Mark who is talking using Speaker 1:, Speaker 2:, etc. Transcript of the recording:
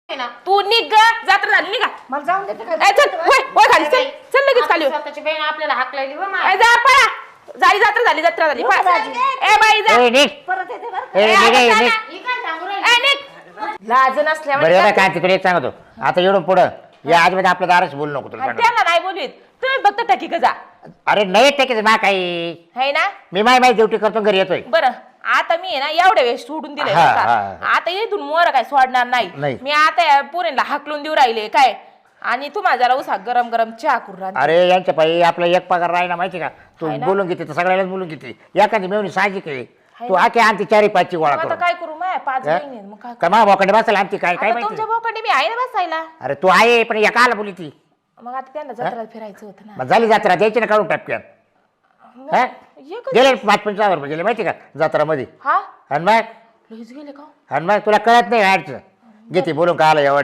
Speaker 1: ना
Speaker 2: तू निघ ग, जत्रा झाली निघा.
Speaker 3: मला जाऊन देते का?
Speaker 2: ए, चल वय खाली चल चल लगेच खाली
Speaker 1: आपली स्वतःची बहीण आपल्याला हाकलायली हो
Speaker 2: ए, जा पळा. झाली जत्रा झाली पळा.
Speaker 3: दाजी.
Speaker 2: ए बाई जा.
Speaker 4: ए निघ
Speaker 3: परत येते बरं का?
Speaker 4: ए
Speaker 2: ए,
Speaker 4: निघ
Speaker 2: आता
Speaker 4: ए,
Speaker 2: जा
Speaker 4: निघ
Speaker 2: ना.
Speaker 1: ही काय सांगू राहिली?
Speaker 2: ए, निघ. लाज
Speaker 4: बरं
Speaker 2: नसल्यामुळे
Speaker 4: एवढं काय तिकडे एक सांगतो आता एवढं पुढं या आजमध्ये आपल्या दाराशी बोलू नको तुला सांगतो.
Speaker 2: त्यांना नाही बोलवीत तुम्ही फक्त टकी का जा
Speaker 4: अरे नाही टेकीच ना काही
Speaker 2: है ना.
Speaker 4: मी माझी ड्युटी करतो घरी येतोय
Speaker 2: बरं आता मी आहे ना एवढ्या वेळेस सोडून दिले
Speaker 4: हा,
Speaker 2: बरं का?
Speaker 4: हा.
Speaker 2: आता इथून मोर काय सोडणार
Speaker 4: नाही.
Speaker 2: नाही मी आता या पोरींना हाकलून देऊ राहिले काय आणि तुम्हाला जरा उसा गरम गरम चहा करून राहते.
Speaker 4: अरे यांच्या पायी आपला एक पगार राहिला माहिती का तू
Speaker 2: आहे ना?
Speaker 4: बोलून घेते तर सगळ्यालाच बोलून घेते एखादी मेवणी साहजिक आहे तू आखे आणते 4-5 गोळा
Speaker 2: मग आता
Speaker 4: करून
Speaker 2: काय करू माय 5
Speaker 4: हा?
Speaker 2: बहिणी आहेत, मग काय
Speaker 4: का मा बोकडे बसायला आणते काय काय
Speaker 2: आता
Speaker 4: माहिती
Speaker 2: तुमच्या भावाकडे मी आहे ना बसायला.
Speaker 4: अरे तू आहे पण या काला बोली ती
Speaker 2: मग आता त्यांना जत्रा फिरायचं होतं ना.
Speaker 4: मग झाली जत्रा द्यायची ना काढून टापक्यान हा
Speaker 2: एकच-
Speaker 4: गेले 5-5 रुपये गेले माहिती का जत्रामध्ये
Speaker 2: हा
Speaker 4: आणि मग
Speaker 2: लईच गेले का
Speaker 4: आणि मग तुला कळत नाही ऍडचं घेते बोलून का आलं एवढं